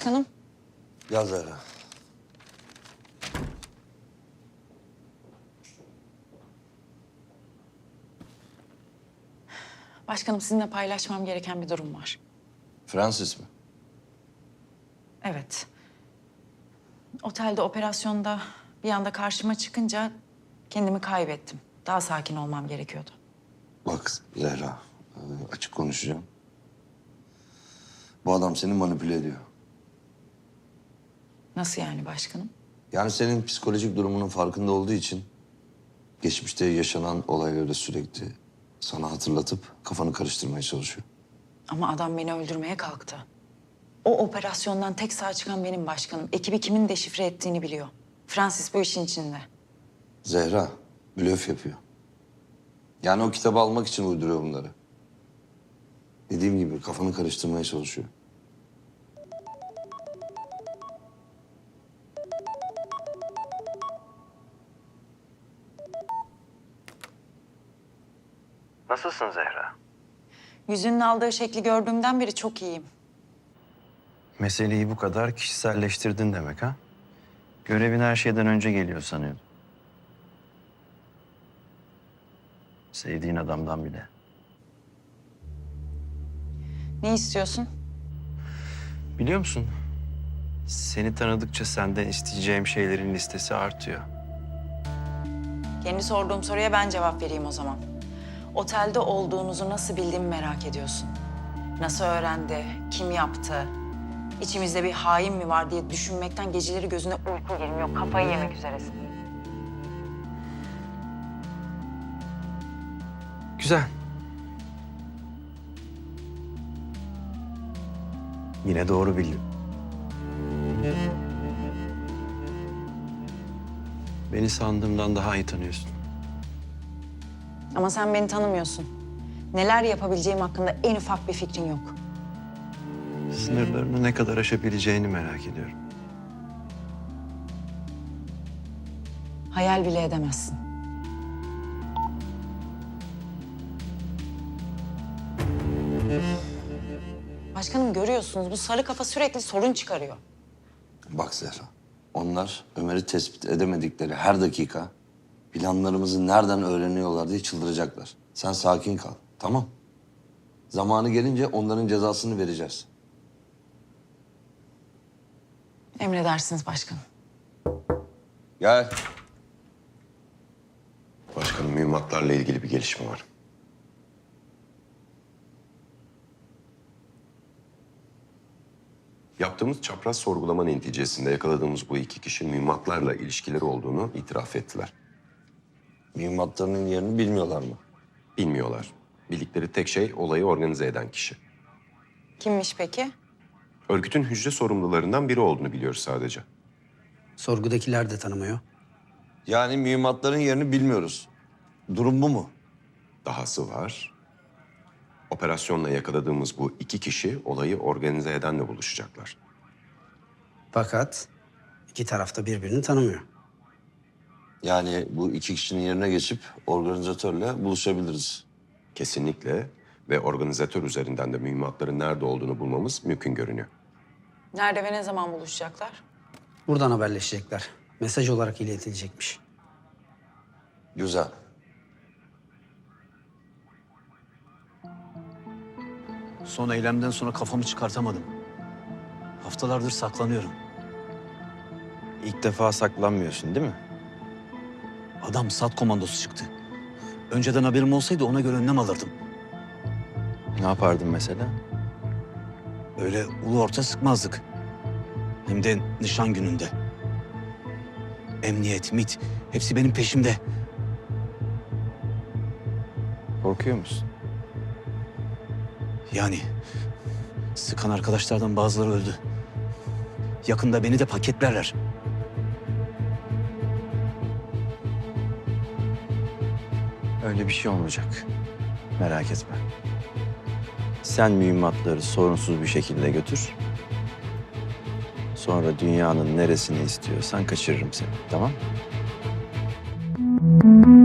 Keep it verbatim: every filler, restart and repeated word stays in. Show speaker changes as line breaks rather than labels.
başkanım.
Gel Zehra.
Başkanım sizinle paylaşmam gereken bir durum var.
Francis mi?
Evet. Otelde operasyonda bir anda karşıma çıkınca kendimi kaybettim. Daha sakin olmam gerekiyordu.
Bak Zehra, e, açık konuşacağım. Bu adam seni manipüle ediyor.
Nasıl yani başkanım?
Yani senin psikolojik durumunun farkında olduğu için... ...geçmişte yaşanan olayları sürekli sana hatırlatıp kafanı karıştırmaya çalışıyor.
Ama adam beni öldürmeye kalktı. O operasyondan tek sağ çıkan benim başkanım. Ekibi kimin deşifre ettiğini biliyor. Francis bu işin içinde.
Zehra, blöf yapıyor. Yani o kitabı almak için uyduruyor bunları. Dediğim gibi kafanı karıştırmaya çalışıyor.
Nasılsın Zehra?
Yüzünün aldığı şekli gördüğümden beri çok iyiyim.
Meseleyi bu kadar kişiselleştirdin demek ha? Görevin her şeyden önce geliyor sanıyordum. Sevdiğin adamdan bile.
Ne istiyorsun?
Biliyor musun? Seni tanıdıkça senden isteyeceğim şeylerin listesi artıyor.
Kendi sorduğum soruya ben cevap vereyim o zaman. Otelde olduğunuzu nasıl bildiğimi merak ediyorsun. Nasıl öğrendi, kim yaptı? İçimizde bir hain mi var diye düşünmekten geceleri gözüne uyku girmiyor. Kafayı yemek üzeresin.
Güzel. Yine doğru bildin. Beni sandığımdan daha iyi tanıyorsun.
Ama sen beni tanımıyorsun. Neler yapabileceğim hakkında en ufak bir fikrin yok.
Sınırlarını ne kadar aşabileceğini merak ediyorum.
Hayal bile edemezsin. Başkanım görüyorsunuz bu sarı kafa sürekli sorun çıkarıyor.
Bak Zehra, onlar Ömer'i tespit edemedikleri her dakika... ...planlarımızı nereden öğreniyorlar diye çıldıracaklar. Sen sakin kal, tamam? Zamanı gelince onların cezasını vereceğiz.
Emredersiniz başkanım.
Gel.
Başkanım, mühimmatlarla ilgili bir gelişme var. Yaptığımız çapraz sorgulama neticesinde yakaladığımız bu iki kişi mühimmatlarla ilişkileri olduğunu itiraf ettiler.
Mühimmatlarının yerini bilmiyorlar mı?
Bilmiyorlar. Bildikleri tek şey olayı organize eden kişi.
Kimmiş peki?
Örgütün hücre sorumlularından biri olduğunu biliyoruz sadece.
Sorgudakiler de tanımıyor.
Yani mühimmatların yerini bilmiyoruz. Durum bu mu?
Dahası var. Operasyonla yakaladığımız bu iki kişi olayı organize edenle buluşacaklar.
Fakat iki taraf da birbirini tanımıyor.
Yani bu iki kişinin yerine geçip organizatörle buluşabiliriz.
Kesinlikle ve organizatör üzerinden de mühimmatların nerede olduğunu bulmamız mümkün görünüyor.
Nerede ve ne zaman buluşacaklar?
Buradan haberleşecekler. Mesaj olarak iletilecekmiş.
Güzel.
Son eylemden sonra kafamı çıkartamadım. Haftalardır saklanıyorum.
İlk defa saklanmıyorsun değil mi?
Adam SAT komandosu çıktı. Önceden haberim olsaydı ona göre önlem alırdım.
Ne yapardın mesela?
Öyle ulu orta sıkmazdık. Hem de nişan gününde. Emniyet, MİT hepsi benim peşimde.
Korkuyor musun?
Yani sıkan arkadaşlardan bazıları öldü. Yakında beni de paketlerler.
Öyle bir şey olmayacak. Merak etme. Sen mühimmatları sorunsuz bir şekilde götür. Sonra dünyanın neresini istiyorsan kaçırırım seni, tamam mı?